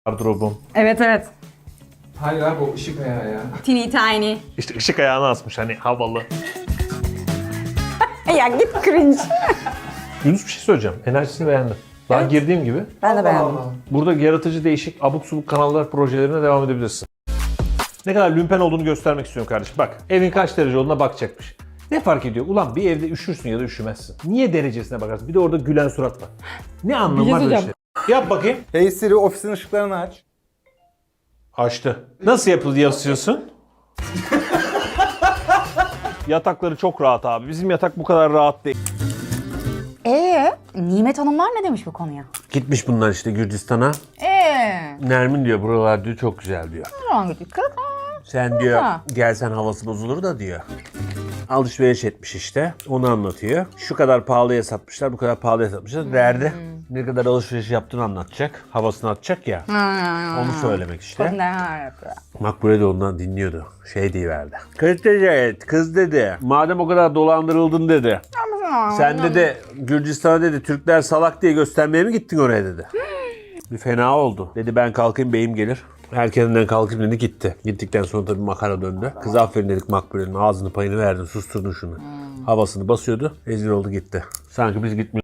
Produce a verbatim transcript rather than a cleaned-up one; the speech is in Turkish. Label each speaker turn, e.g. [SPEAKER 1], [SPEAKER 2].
[SPEAKER 1] Gardırobum.
[SPEAKER 2] Evet evet.
[SPEAKER 3] Hayır abi o ışık ayağı ya.
[SPEAKER 2] Teeny tiny.
[SPEAKER 1] İşte ışık ayağını asmış hani havalı.
[SPEAKER 2] Ya git cringe.
[SPEAKER 1] Yunus bir şey söyleyeceğim. Enerjisini beğendim. Daha
[SPEAKER 2] Evet.
[SPEAKER 1] girdiğim gibi.
[SPEAKER 2] Ben de beğendim.
[SPEAKER 3] Allah Allah.
[SPEAKER 1] Burada yaratıcı değişik abuk subuk kanallar projelerine devam edebilirsin. Ne kadar lümpen olduğunu göstermek istiyorum kardeşim. Bak evin kaç derece olduğuna bakacakmış. Ne fark ediyor? Ulan bir evde üşürsün ya da üşümezsin. Niye derecesine bakarsın? Bir de orada gülen surat var. Ne anlamı
[SPEAKER 2] Bir
[SPEAKER 1] var
[SPEAKER 2] şey
[SPEAKER 1] böyle şey? Yap bakayım.
[SPEAKER 4] Hey Siri ofisin ışıklarını aç.
[SPEAKER 1] Açtı. Nasıl yapıldı yazıyorsun? Yatakları çok rahat abi. Bizim yatak bu kadar rahat değil.
[SPEAKER 2] Ee, Nimet Hanımlar ne demiş bu konuya?
[SPEAKER 1] Gitmiş bunlar işte Gürcistan'a.
[SPEAKER 2] Ee,
[SPEAKER 1] Nermin diyor buralar diyor çok güzel diyor.
[SPEAKER 2] hangi dikkat?
[SPEAKER 1] Sen diyor
[SPEAKER 2] Ha.
[SPEAKER 1] gelsen havası bozulur da diyor. Alışveriş etmiş işte. Onu anlatıyor. Şu kadar pahalıya satmışlar, bu kadar pahalıya satmışlar. Derdi. Ne kadar alışveriş yaptığını anlatacak. Havasını atacak ya. Onu söylemek işte.
[SPEAKER 2] Ne yapıyor?
[SPEAKER 1] Makbule de ondan dinliyordu. Şey diyiverdi. Kız dedi, kız dedi. Madem o kadar dolandırıldın dedi. Sen dedi Gürcistan'a dedi Türkler salak diye göstermeye mi gittin oraya dedi. Bir fena oldu. Dedi ben kalkayım beyim gelir. Erkeninden kalkayım dedi gitti. Gittikten sonra tabii makara döndü. Kız aferin dedik Makbule'nin ağzını payını verdin susturdun şunu. Havasını basıyordu. Ezil oldu gitti. Sanki biz gitmiyoruz.